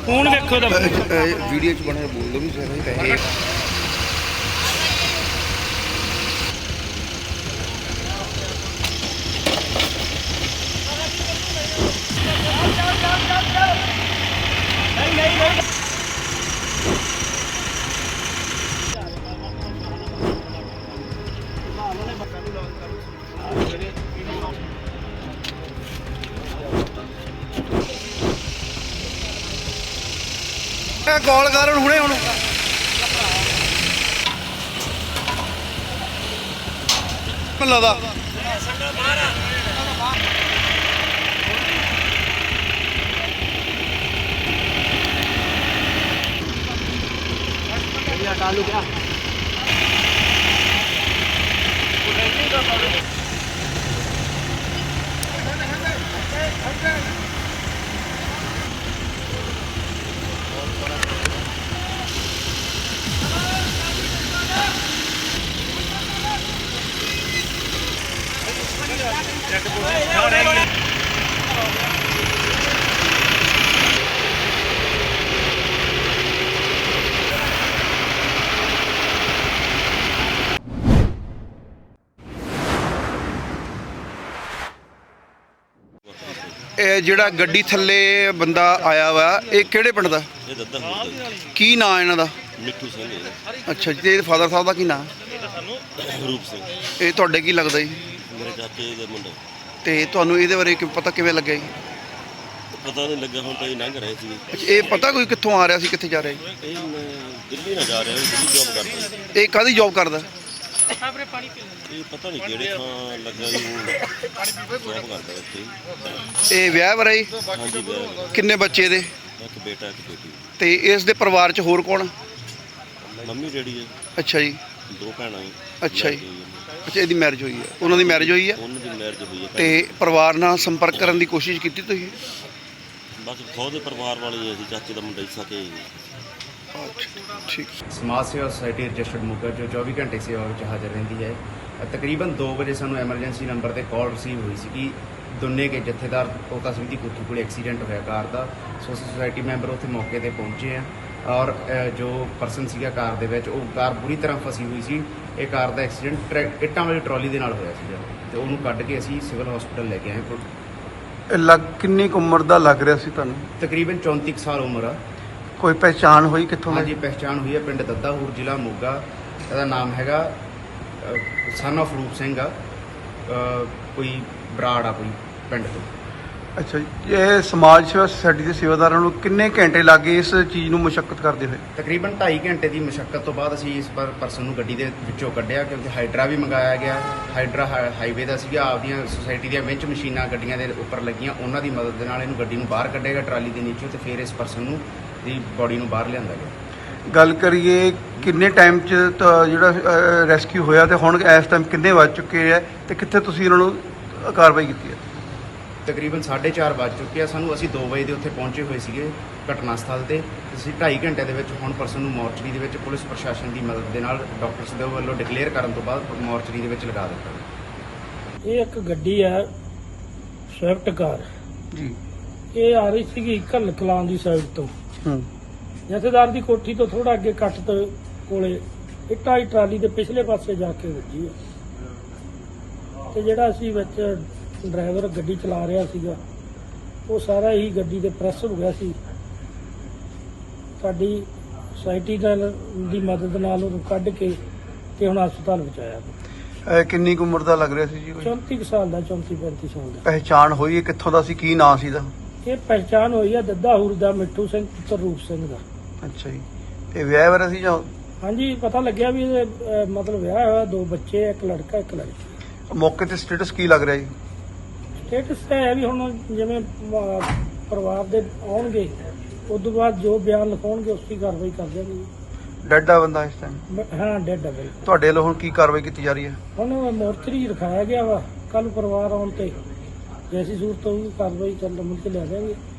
Phone ਵੇਖੋ ਤਾਂ video ਚ ਬਣਾ ਬੋਲ ਦੋ ਵੀ ਪੈਸੇ ਕਾਲ ਕਰਨ ਹੁਣੇ ਹੁਣ ਲੱਗਦਾ डालू क्या ਇਹ ਜਿਹੜਾ ਗੱਡੀ ਥੱਲੇ ਬੰਦਾ ਆਇਆ ਵਾ ਇਹ ਕਿਹੜੇ ਪਿੰਡ ਦਾ? ਇਹ ਦੱਦਾ ਹੁੰਦਾ ਕੀ ਨਾਂ ਇਹਨਾਂ ਦਾ? ਮਿੱਠੂ ਸਿੰਘ ਅੱਛਾ ਜੀ, ਤੇ ਇਹਦੇ ਫਾਦਰ ਸਾਹਿਬ ਦਾ ਕੀ ਨਾਂ? ਰੂਪ ਸਿੰਘ, ਇਹ ਤੁਹਾਡੇ ਕੀ ਲੱਗਦਾ ਜੀ? ਮੇਰੇ ਚਾਚੇ ਦਾ ਮੁੰਡਾ। ਤੇ ਤੁਹਾਨੂੰ ਇਹਦੇ ਬਾਰੇ ਪਤਾ ਕਿਵੇਂ ਲੱਗਿਆ ਜੀ? ਪਤਾ ਨਹੀਂ ਲੱਗਾ, ਹੁਣ ਤਾਂ ਇਹ ਲੰਘ ਰਹੇ ਸੀ। ਅੱਛਾ, ਇਹ ਪਤਾ ਕੋਈ ਕਿੱਥੋਂ ਆ ਰਿਹਾ ਸੀ, ਕਿੱਥੇ ਜਾ ਰਿਹਾ ਜੀ? ਇਹ ਮੈਂ ਦਿੱਲੀ ਨਾ ਜਾ ਰਿਹਾ, ਦਿੱਲੀ ਜੌਬ ਕਰਦਾ। ਇਹ ਕਾਹਦੀ ਜੌਬ ਕਰਦਾ? ਇਹ ਪਤਾ ਨਹੀਂ ਕਿਹੜੇ ਥਾਂ ਲੱਗਾ ਜੀ, ਜੌਬ ਕਰਦਾ ਇੱਥੇ। ਇਹ ਵਿਆਹ ਵਰਾ ਜੀ? ਹਾਂਜੀ ਵਿਆਹ, ਕਿੰਨੇ ਬੱਚੇ ਇਹਦੇ? ਇੱਕ ਬੇਟਾ ਇੱਕ ਬੇਟੀ। ਤੇ ਇਸ ਦੇ ਪਰਿਵਾਰ 'ਚ ਹੋਰ ਕੌਣ? ਮੰਮੀ ਡੈਡੀ ਹੈ, ਅੱਛਾ ਜੀ, 2 ਭੈਣਾਂ ਹੈ। ਅੱਛਾ ਜੀ, ਅੱਛਾ ਇਹਦੀ ਮੈਰਿਜ ਹੋਈ ਹੈ, ਉਹਨਾਂ ਦੀ ਮੈਰਿਜ ਹੋਈ ਹੈ? ਉਹਨਾਂ ਦੀ ਮੈਰਿਜ ਹੋਈ ਹੈ। ਤੇ ਪਰਿਵਾਰ ਨਾਲ ਸੰਪਰਕ ਕਰਨ ਦੀ ਕੋਸ਼ਿਸ਼ ਕੀਤੀ ਤੁਸੀਂ? ਬਸ ਖੁਦ ਦੇ ਪਰਿਵਾਰ ਵਾਲੇ ਹੀ ਅਸੀਂ, ਚਾਚੇ ਦਾ ਮੁੰਡਾ ਹੀ ਸਕੇ। ਠੀਕ। ਸਮਾਜ ਸੇਵਾ ਸੁਸਾਇਟੀ ਰਜਿਸਟਰਡ ਮੋਗਾ ਜੋ 24 ਘੰਟੇ ਸੇਵਾ ਵਿੱਚ ਹਾਜ਼ਰ ਰਹਿੰਦੀ ਹੈ। ਤਕਰੀਬਨ 2 ਵਜੇ ਸਾਨੂੰ ਐਮਰਜੈਂਸੀ ਨੰਬਰ ਤੇ ਕਾਲ ਰਿਸੀਵ ਹੋਈ ਸੀ ਕਿ ਦੁੰਨੇ ਕੇ ਜਥੇਦਾਰ ਕੋਤਾ ਸਿੰਘ ਦੀ ਕੋਠੀ ਕੋਲ ਐਕਸੀਡੈਂਟ ਹੋਇਆ ਕਾਰ ਦਾ। ਸੋ ਅਸੀਂ ਸੁਸਾਇਟੀ ਮੈਂਬਰ ਉੱਥੇ ਮੌਕੇ ਤੇ ਪਹੁੰਚੇ ਆ ਔਰ ਜੋ ਪਰਸਨ ਸੀਗਾ ਕਾਰ ਦੇ ਵਿੱਚ, ਉਹ ਕਾਰ ਬੁਰੀ ਤਰ੍ਹਾਂ ਫਸੀ ਹੋਈ ਸੀ। ਇਹ ਕਾਰ ਦਾ ਐਕਸੀਡੈਂਟ ਇੱਟਾਂ ਵਾਲੀ ਟਰਾਲੀ ਦੇ ਨਾਲ ਹੋਇਆ ਸੀਗਾ ਤੇ ਉਹਨੂੰ ਕੱਢ ਕੇ ਅਸੀਂ ਸਿਵਲ ਹਸਪੀਟਲ ਲੈ ਕੇ ਆਏ। ਕਿੰਨੀ ਕੁ ਉਮਰ ਦਾ ਲੱਗ ਰਿਹਾ ਸੀ ਤੁਹਾਨੂੰ? ਤਕਰੀਬਨ 34 ਕੁ ਸਾਲ ਉਮਰ ਆ। ਕੋਈ ਪਹਿਚਾਣ ਹੋਈ ਕਿੱਥੋਂ? ਹਾਂਜੀ, ਪਹਿਚਾਣ ਹੋਈ ਹੈ, ਪਿੰਡ ਦੱਦਾਹੂਰ, ਜ਼ਿਲ੍ਹਾ ਮੋਗਾ। ਇਹਦਾ ਨਾਮ ਹੈਗਾ ਸਨ ਆਫ ਰੂਪ ਸਿੰਘ ਆ, ਕੋਈ ਬਰਾੜ ਆ ਕੋਈ ਪਿੰਡ ਤੋਂ। ਅੱਛਾ ਜੀ, ਇਹ ਸਮਾਜ ਸੇਵਾ ਸੁਸਾਇਟੀ ਦੇ ਸੇਵਾਦਾਰਾਂ ਨੂੰ ਕਿੰਨੇ ਘੰਟੇ ਲੱਗੇ ਇਸ ਚੀਜ਼ ਨੂੰ ਮੁਸ਼ੱਕਤ ਕਰਦੇ ਹੋਏ? ਤਕਰੀਬਨ 2.5 ਘੰਟੇ ਦੀ ਮੁਸ਼ੱਕਤ ਤੋਂ ਬਾਅਦ ਅਸੀਂ ਇਸ ਪਰਸਨ ਨੂੰ ਗੱਡੀ ਦੇ ਵਿੱਚੋਂ ਕੱਢਿਆ, ਕਿਉਂਕਿ ਹਾਈਡਰਾ ਵੀ ਮੰਗਾਇਆ ਗਿਆ। ਹਾਈਡਰਾ ਹਾਈਵੇ ਦਾ ਸੀਗਾ, ਆਪਦੀਆਂ ਸੁਸਾਇਟੀ ਦੀਆਂ ਵਿੰਚ ਮਸ਼ੀਨਾਂ ਗੱਡੀਆਂ ਦੇ ਉੱਪਰ ਲੱਗੀਆਂ, ਉਹਨਾਂ ਦੀ ਮਦਦ ਦੇ ਨਾਲ ਇਹਨੂੰ ਗੱਡੀ ਨੂੰ ਬਾਹਰ ਕੱਢੇਗਾ ਟਰਾਲੀ ਦੇ ਨੀਚੋਂ, ਤੇ ਫਿਰ ਇਸ ਪਰਸਨ ਨੂੰ ਦੀ ਬੋਡੀ ਨੂੰ ਬਾਹਰ ਲਿਆਂਦਾ ਗਿਆ। ਗੱਲ ਕਰੀਏ ਕਿੰਨੇ ਟਾਈਮ 'ਚ ਜਿਹੜਾ ਰੈਸਕਿਊ ਹੋਇਆ ਤੇ ਹੁਣ ਇਸ ਟਾਈਮ ਕਿੰਨੇ ਵੱਜ ਚੁੱਕੇ ਆ ਤੇ ਕਿੱਥੇ ਤੁਸੀਂ ਇਹਨਾਂ ਨੂੰ ਕਾਰਵਾਈ ਕੀਤੀ ਹੈ? ਤਕਰੀਬਨ 4:30 ਵੱਜ ਚੁੱਕੇ ਆ ਸਾਨੂੰ। ਅਸੀਂ 2 ਵਜੇ ਦੇ ਉੱਥੇ ਪਹੁੰਚੇ ਹੋਏ ਸੀਗੇ ਘਟਨਾ ਸਥਲ ਤੇ। ਅਸੀਂ 2.5 ਘੰਟੇ ਦੇ ਵਿੱਚ ਹੁਣ ਪਰਸਨ ਨੂੰ ਮੋਰਚਰੀ ਦੇ ਵਿੱਚ ਪੁਲਿਸ ਪ੍ਰਸ਼ਾਸਨ ਦੀ ਮਦਦ ਦੇ ਨਾਲ ਡਾਕਟਰਸ ਦੇ ਵੱਲੋਂ ਡਿਕਲੇਅਰ ਕਰਨ ਤੋਂ ਬਾਅਦ ਮੋਰਚਰੀ ਦੇ ਵਿੱਚ ਲਗਾ ਦਿੱਤਾ। ਇਹ ਇੱਕ ਗੱਡੀ ਹੈ ਸਵਿਫਟ ਕਾਰ ਜੀ, ਇਹ ਆ ਰਹੀ ਸੀਗੀ ਘੱਲ ਕਲਾਂ ਦੀ ਸਾਈਡ ਤੋਂ। ਜਥੇਦਾਰ ਦੀ ਕੋਠੀ ਤੋਂ ਥੋੜਾ ਅੱਗੇ ਕੱਟ ਤੋਂ ਕੋਲੇ ਇੱਟਾਂ ਦੀ ਟਰਾਲੀ ਦੇ ਪਿਛਲੇ ਪਾਸੇ ਜਾ ਕੇ ਵੱਜੀ ਹੈ ਤੇ ਜਿਹੜਾ ਅਸੀਂ ਵਿੱਚ ਡਰਾਈਵਰ ਗੱਡੀ ਚਲਾ ਰਿਹਾ ਸੀਗਾ ਉਹ ਸਾਰਾ ਹੀ ਗੱਡੀ ਦੇ ਪ੍ਰੈਸ ਹੋ ਗਿਆ ਸੀ। ਸਾਡੀ ਸੁਸਾਇਟੀ ਦੀ ਮਦਦ ਨਾਲ ਉਹਨੂੰ ਕੱਢ ਕੇ ਤੇ ਹੁਣ ਹਸਪਤਾਲ ਪਹੁੰਚਾਇਆ। ਕਿੰਨੀ ਕੁ ਉਮਰ ਦਾ ਲੱਗ ਰਿਹਾ ਸੀ ਜੀ? 34 ਸਾਲ ਦਾ, 34-35 ਸਾਲ ਦਾ। ਪਹਿਚਾਣ ਹੋਈ ਹੈ ਕਿੱਥੋਂ ਦਾ ਸੀ, ਕੀ ਨਾਂ ਸੀ ਦਾ? ਇਹ ਪਹਿਚਾਣ ਹੋਈ ਆ ਦੱਦਾਹੂਰ ਦਾ ਮਿੱਠੂ ਸਿੰਘ ਪੁੱਤਰ ਰੂਪ ਸਿੰਘ ਦਾ। ਅੱਛਾ ਜੀ, ਇਹ ਵਿਆਹ ਵਰਾ ਸੀ ਜਾਂ? ਹਾਂਜੀ, ਪਤਾ ਲੱਗਿਆ ਵੀ ਇਹਦੇ ਮਤਲਬ ਵਿਆਹ ਹੋਇਆ, 2 ਬੱਚੇ, ਇੱਕ ਲੜਕਾ ਇੱਕ ਲੜਕੀ। ਮੌਕੇ ਤੇ ਸਟੇਟਸ ਕੀ ਲੱਗ ਰਿਹਾ ਜੀ? ਸਟੇਟਸ ਤਾਂ ਹੈ ਵੀ ਹੁਣ ਜਿਵੇਂ ਪਰਿਵਾਰ ਦੇ ਆਉਣਗੇ ਉਸ ਤੋਂ ਬਾਅਦ ਜੋ ਬਿਆਨ ਲਿਖਾਉਣਗੇ ਉਸ ਦੀ ਕਾਰਵਾਈ ਕਰ ਦਿਆਂਗੇ। ਡੈਡ ਆ ਬੰਦਾ ਇਸ ਟਾਈਮ? ਹਾਂ, ਡੈਡ ਆ ਬਿਲਕੁਲ। ਤੁਹਾਡੇ ਵੱਲੋਂ ਹੁਣ ਕੀ ਕਾਰਵਾਈ ਕੀਤੀ ਜਾ ਰਹੀ ਹੈ? ਹੁਣ ਮੋਰਚਰੀ ਰਖਾਇਆ ਗਿਆ ਵਾ, ਕੱਲ ਪਰਿਵਾਰ ਆਉਣ ਤੇ ਜੈਸੀ ਸੂਰਤ ਹੋਊਗੀ ਕਾਰਵਾਈ ਚੱਲ ਮੁੜ ਕੇ ਲੈ ਜਾਵਾਂਗੇ।